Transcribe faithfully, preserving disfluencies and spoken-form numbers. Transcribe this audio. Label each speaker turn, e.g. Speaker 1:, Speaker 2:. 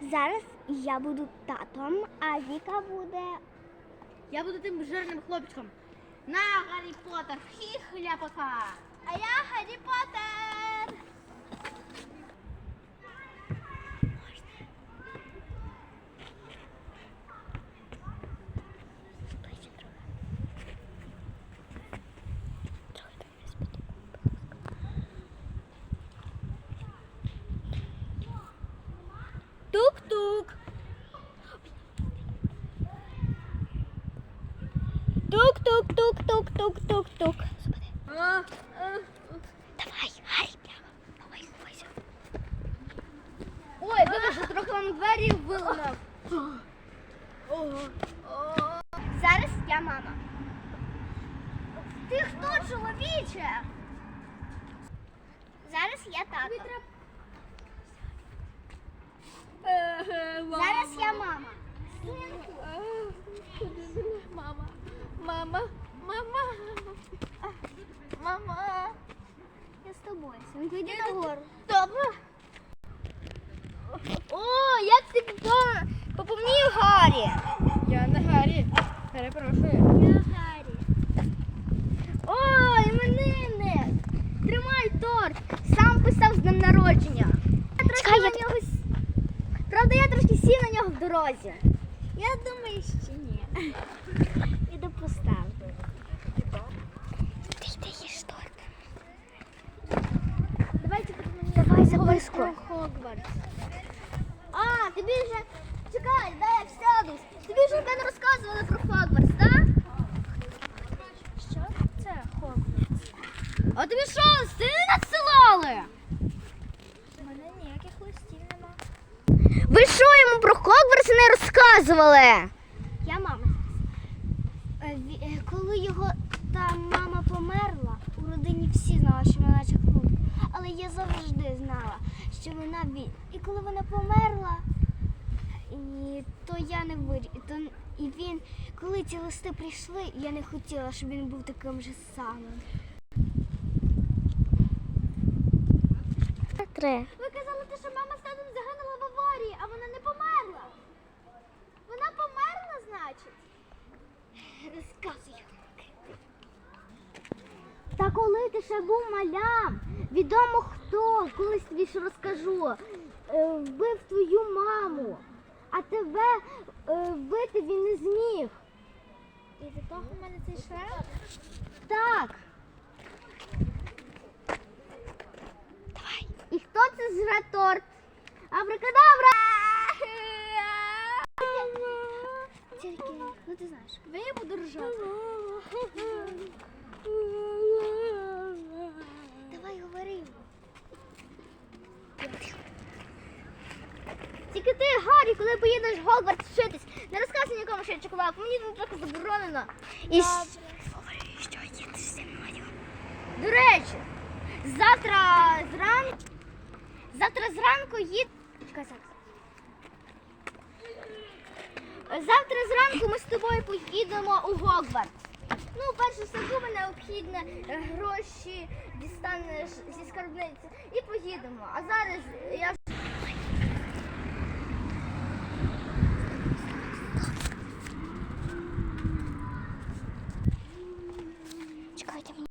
Speaker 1: Зараз я буду татом, а Віка буде...
Speaker 2: Я буду тим жирним хлопчиком. На, Гаррі Поттер, хі-хляпака.
Speaker 1: А я Гаррі Поттер!
Speaker 2: Тук-тук.
Speaker 1: Тук-тук-тук-тук-тук-тук-тук.
Speaker 2: А, а.
Speaker 1: Давай, Гаррі, прямо. Давай, ховайся.
Speaker 2: Ой, вибачте, трохи вам двері виламав.
Speaker 1: Зараз я мама. Ти хто, чоловіче? Зараз я тато. Зараз я мама.
Speaker 2: Мама, мама, мама, мама.
Speaker 1: Я з тобою. Синку, йди нагору.
Speaker 2: Добре. О, як ти поповнів Гаррі? Я не Гаррі. Перепрошую.
Speaker 1: Я Гаррі.
Speaker 2: О, іменинник. Тримай торт. Сам писав з днем народження. Я трошки
Speaker 1: Чекай,
Speaker 2: на
Speaker 1: я-
Speaker 2: нього... с- Правда, я трошки сів на нього в дорозі.
Speaker 1: Я думаю, що ні. Іду поставлю. Ти йди їж торт.
Speaker 2: Давайте тут мені
Speaker 1: Давай,
Speaker 2: поговоримо
Speaker 1: записку.
Speaker 2: про Хогвартс. А, тобі вже... Чекай, дай я сяду. Тобі вже не розказували про Хогвартс, так?
Speaker 1: Що це Хогвартс?
Speaker 2: А тобі що, листи не надсилали?
Speaker 1: У мене ніяких листів нема.
Speaker 2: Ви що йому про Хогвартс не розказували?
Speaker 1: Я мама. Е, ві- е, Коли його та мама померла, у родині всі знали, що вона чахнув. Але я завжди знала, що вона він. І коли вона померла, і то я не вирі... то... І він, коли ці листи прийшли, я не хотіла, щоб він був таким же самим. Три.
Speaker 2: Ви казали, що мама з татом загинула в аварії, а вона не померла. Вона померла, значить?
Speaker 1: Розказуй.
Speaker 2: Та коли ти ще був малям, відомо хто, колись тобі ще розкажу, е, вбив твою маму, а тебе е, вбити він не зміг.
Speaker 1: І від того в мене цей шрам?
Speaker 2: Так.
Speaker 1: Давай.
Speaker 2: І хто це зжре торт? Абракадабра!
Speaker 1: Тільки, ну ти знаєш.
Speaker 2: Ви я буду ржати.
Speaker 1: Давай говори.
Speaker 2: Тільки ти, Гаррі, коли поїдеш в Гогвартс вчитись, не розказуй нікому, що я чоколад, мені тут трохи заборонено. І щ-
Speaker 1: Говори, що їдеш зі мною.
Speaker 2: До речі, завтра зранку, завтра зранку їд... Чекай, зараз. Завтра зранку ми з тобою поїдемо у Гогвартс. Ну, перше все буде необхідне, е, гроші дістанеш зі скарбниці і поїдемо. А зараз я